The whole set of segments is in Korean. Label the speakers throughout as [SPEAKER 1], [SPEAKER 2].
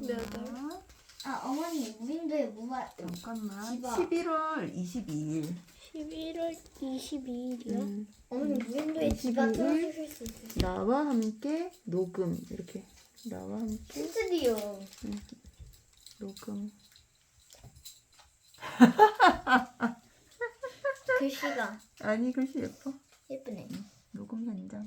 [SPEAKER 1] 몇 월?
[SPEAKER 2] 아 어머니 무인도에 뭐가
[SPEAKER 3] 잠깐만.
[SPEAKER 2] 집어.
[SPEAKER 3] 11월 22일.
[SPEAKER 1] 11월 22일이요?
[SPEAKER 2] 어머니 무인도에 집어
[SPEAKER 3] 22일.
[SPEAKER 2] 틀어주실 수 있으세요?
[SPEAKER 3] 나와 함께 녹음. 이렇게. 나와 함께
[SPEAKER 2] 스튜디오.
[SPEAKER 3] 녹음.
[SPEAKER 2] 글씨가
[SPEAKER 3] 아니 글씨 예뻐.
[SPEAKER 2] 예쁘네.
[SPEAKER 3] 녹음 현장.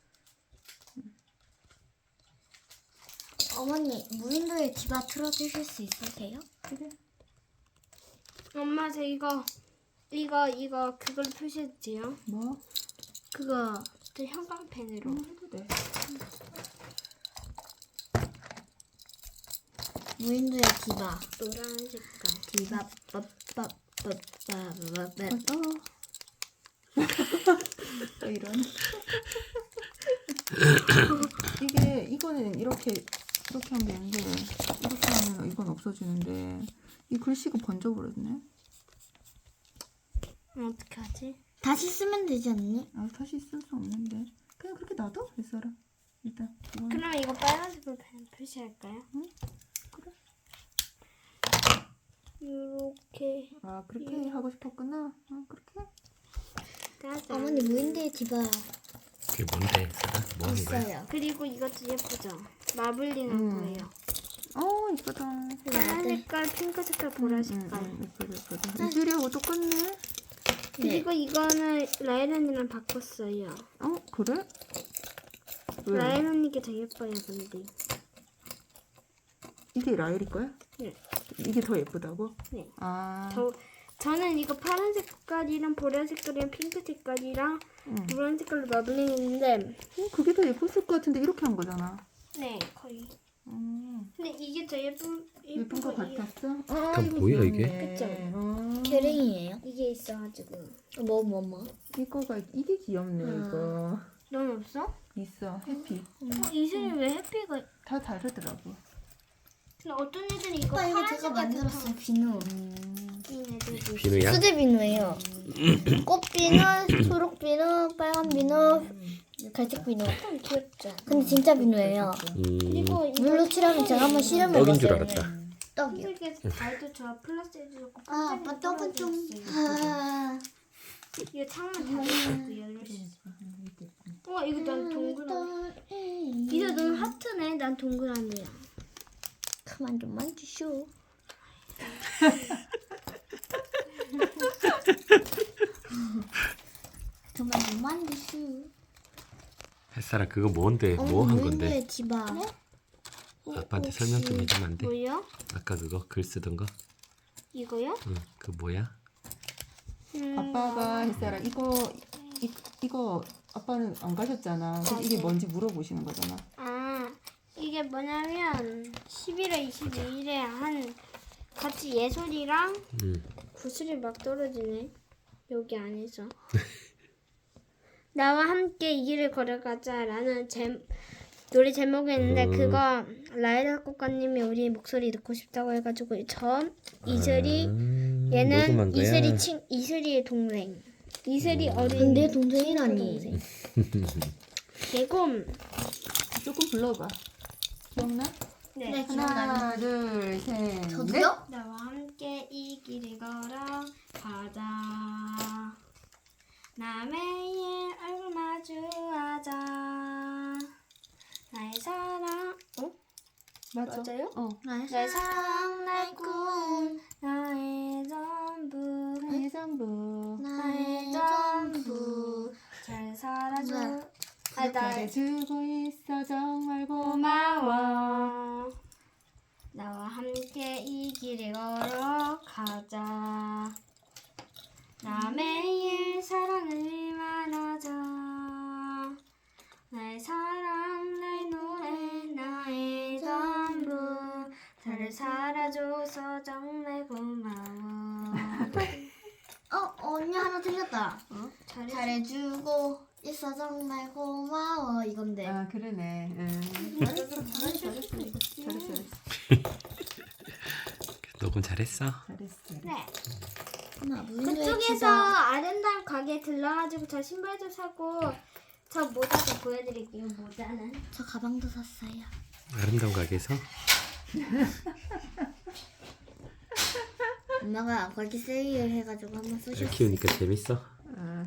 [SPEAKER 2] 어머니 무인도에 집어 틀어주실 수 있으세요?
[SPEAKER 3] 그래.
[SPEAKER 1] 엄마 저 이거 그걸 표시했지요?
[SPEAKER 3] 뭐?
[SPEAKER 1] 그거 저 형광펜으로.
[SPEAKER 3] 해도 돼.
[SPEAKER 2] 무인도에 집어.
[SPEAKER 1] 노란 색깔.
[SPEAKER 2] 집어
[SPEAKER 3] 또 이런. 이거는 이렇게 하면 되는데 이렇게 하면 이건 없어지는데 이 글씨가 번져버렸네.
[SPEAKER 1] 어떻게 하지?
[SPEAKER 2] 다시 쓰면 되지 않니?
[SPEAKER 3] 아 다시 쓸 수 없는데 그냥 그렇게 놔둬 있어라. 일단 이거는
[SPEAKER 1] 그럼 이거 빨간색으로 표시할까요?
[SPEAKER 3] 응? 그래.
[SPEAKER 1] 이렇게.
[SPEAKER 3] 아 그렇게 하고 싶었구나. 그렇게.
[SPEAKER 1] 짜잔.
[SPEAKER 2] 어머니 무인도에 집어
[SPEAKER 4] 그게 뭔데? 뭐 하는 거야?
[SPEAKER 2] 있어요.
[SPEAKER 1] 그리고 이것도 예쁘죠? 마블링한 거예요.
[SPEAKER 3] 이쁘다.
[SPEAKER 1] 파란 색깔, 핑크 색깔, 보라 색깔.
[SPEAKER 3] 예쁘다. 이들이하고 똑같네.
[SPEAKER 1] 그리고 이거는 라일 언니랑 바꿨어요.
[SPEAKER 3] 그래? 왜?
[SPEAKER 1] 라일 언니게 더 예뻐요, 근데.
[SPEAKER 3] 이게 라일이 거야?
[SPEAKER 1] 네.
[SPEAKER 3] 이게 더 예쁘다고?
[SPEAKER 1] 네.
[SPEAKER 3] 아.
[SPEAKER 1] 저는 이거 파란 색깔이랑 보라 색깔이랑 핑크 색깔이랑 노란 색깔로 마블링했는데
[SPEAKER 3] 그게 더 예뻤을 것 같은데 이렇게 한 거잖아.
[SPEAKER 1] 네, 거의.
[SPEAKER 3] 음.
[SPEAKER 1] 근데 이게 더
[SPEAKER 3] 예쁜 거 같았어?
[SPEAKER 4] 그럼
[SPEAKER 3] 이거
[SPEAKER 4] 뭐야,
[SPEAKER 3] 귀엽네.
[SPEAKER 4] 이게?
[SPEAKER 1] 그쵸?
[SPEAKER 2] 계랭이에요?
[SPEAKER 1] 이게 있어가지고.
[SPEAKER 2] 뭐?
[SPEAKER 3] 이거가 이게 귀엽네 이거.
[SPEAKER 1] 넌 없어?
[SPEAKER 3] 있어 해피.
[SPEAKER 1] 이슬이 왜 해피가?
[SPEAKER 3] 다 다르더라고.
[SPEAKER 1] 근데 어떤 애들이 이거
[SPEAKER 2] 오빠 이거
[SPEAKER 1] 파란
[SPEAKER 2] 제가
[SPEAKER 1] 색깔
[SPEAKER 2] 만들었어요. 비누.
[SPEAKER 1] 인 애들도
[SPEAKER 4] 비누야?
[SPEAKER 2] 수제 비누예요. 꽃 비누, 초록 비누, 빨간 비누, 갈색 비누.
[SPEAKER 1] 참 귀엽죠?
[SPEAKER 2] 근데 진짜 비누예요.
[SPEAKER 1] 그리고 이거
[SPEAKER 2] 물로 칠하면 제가 한번 실험해봤어요.
[SPEAKER 4] 떡인 줄 알았다.
[SPEAKER 2] 떡이요.
[SPEAKER 1] 흰색에서 달도 저 플라스틱 좋고
[SPEAKER 2] 아, 아빠 떡은 좀.
[SPEAKER 1] 이거 창문 닫아놓고 열릴 수 있어. 이거 난 동그라미. 이거 넌 하트네. 난 동그라미야.
[SPEAKER 2] 그만 좀 만지쇼. 그만 좀 만지쇼.
[SPEAKER 4] 햇살아 그거 뭔데? 뭐 한 건데?
[SPEAKER 2] 무인도에 집어.
[SPEAKER 4] 아빠한테 설명 좀 해주면 안 돼?
[SPEAKER 1] 뭐요?
[SPEAKER 4] 아까 그거 글 쓰던 거?
[SPEAKER 1] 이거요?
[SPEAKER 4] 응, 그 뭐야?
[SPEAKER 3] 아빠가 햇살아 이거 아빠는 안 가셨잖아. 그래서 이게 뭔지 물어보시는 거잖아.
[SPEAKER 1] 이게 뭐냐면 11월 22일에 한 같이 예솔이랑
[SPEAKER 4] 응.
[SPEAKER 1] 구슬이 막 떨어지네. 여기 안에서. 나와 함께 이 길을 걸어가자라는 노래 제목이었는데 그거 라이라 꽃가님이 우리 목소리 듣고 싶다고 해가지고 이슬이 얘는
[SPEAKER 4] 녹음한 거야?
[SPEAKER 1] 이슬이의 동생. 이슬이 어린
[SPEAKER 2] 근데 동생이라니.
[SPEAKER 1] 그리고
[SPEAKER 3] 조금 불러봐. 기억나?
[SPEAKER 1] 네.
[SPEAKER 3] 하나 둘 셋.
[SPEAKER 2] 저도요?
[SPEAKER 1] 나와 함께 이 길을 걸어가자. 남의 얼굴 마주하자. 나의 사랑. 맞아요? 나의 사랑, 나의 꿈, 나의 전부,
[SPEAKER 3] 나의 전부.
[SPEAKER 1] 나의 전부. 잘 살아줘.
[SPEAKER 3] 잘해주고 있어 정말
[SPEAKER 1] 고마워. 나와 함께 이 길을 걸어가자. 남의 일 사랑을 말하자. 나의 사랑, 나의 노래, 나의 전부. 나를 살아줘서 정말 고마워.
[SPEAKER 2] 언니 하나 틀렸다.
[SPEAKER 1] 잘했어.
[SPEAKER 2] 잘해주고 있어 정말 고마워 이건데.
[SPEAKER 3] 아 그러네. 잘했어.
[SPEAKER 4] 녹음 잘했어?
[SPEAKER 3] 잘했어.
[SPEAKER 1] 네.
[SPEAKER 2] 엄마 무인도에
[SPEAKER 1] 그쪽에서
[SPEAKER 2] 집어.
[SPEAKER 1] 아름다운 가게에 들러가지고 저 신발도 사고 저 모자도 보여드릴게요. 모자는.
[SPEAKER 2] 저 가방도 샀어요.
[SPEAKER 4] 아름다운 가게에서?
[SPEAKER 2] 엄마가 아까 세일 해가지고 한번
[SPEAKER 4] 애
[SPEAKER 2] 쓰셨어.
[SPEAKER 4] 키우니까 재밌어?
[SPEAKER 3] 아.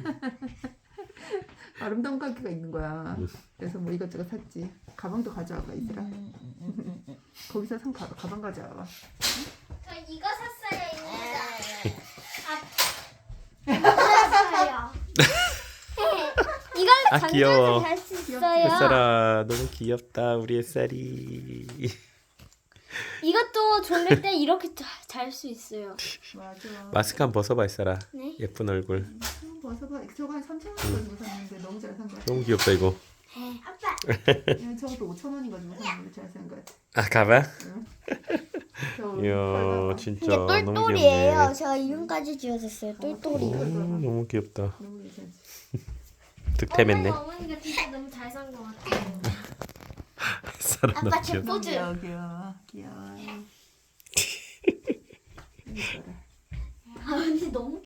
[SPEAKER 3] 아름다운 가게가 있는 거야. 그래서 뭐 이것저것 샀지. 가방도 가져와봐 이들아. 거기서 산 가방 가져와봐.
[SPEAKER 1] 저 이거 샀어요, 이거 샀어요. 이걸로
[SPEAKER 4] 아, 귀여워.
[SPEAKER 1] 전자도 잘 수 있어요.
[SPEAKER 4] 햇살아 너무 귀엽다 우리 햇살이.
[SPEAKER 1] 이것도 졸릴 때 이렇게 잘 수 있어요.
[SPEAKER 3] 맞아.
[SPEAKER 4] 마스크 한번 벗어봐 햇살아.
[SPEAKER 1] 네.
[SPEAKER 4] 예쁜 얼굴.
[SPEAKER 3] 벗어봐. 저거 한 3,000원 가지고 샀는데 너무 잘 산 거 같아.
[SPEAKER 4] 너무 귀엽다 이거.
[SPEAKER 1] 아빠.
[SPEAKER 3] 저것도 5,000원인 가지고 샀는데 잘 산 거 같아.
[SPEAKER 4] 아 가방?
[SPEAKER 3] 저거
[SPEAKER 4] 이야
[SPEAKER 3] 털 봐봐.
[SPEAKER 4] 진짜
[SPEAKER 2] 이게
[SPEAKER 4] 너무
[SPEAKER 2] 똘똘이에요.
[SPEAKER 4] 귀엽네.
[SPEAKER 2] 제가 이름까지 지어줬어요. 똘똘이.
[SPEAKER 4] 오, 너무 귀엽다.
[SPEAKER 3] 너무 괜찮지.
[SPEAKER 4] 득템했네.
[SPEAKER 1] 어머니가 진짜 너무 잘 산 것 같아요.
[SPEAKER 4] 햇살아 너무
[SPEAKER 2] 아빠 제
[SPEAKER 4] 귀엽다.
[SPEAKER 2] 포즈.
[SPEAKER 3] 귀여워. 귀여워.
[SPEAKER 2] 아버지 너무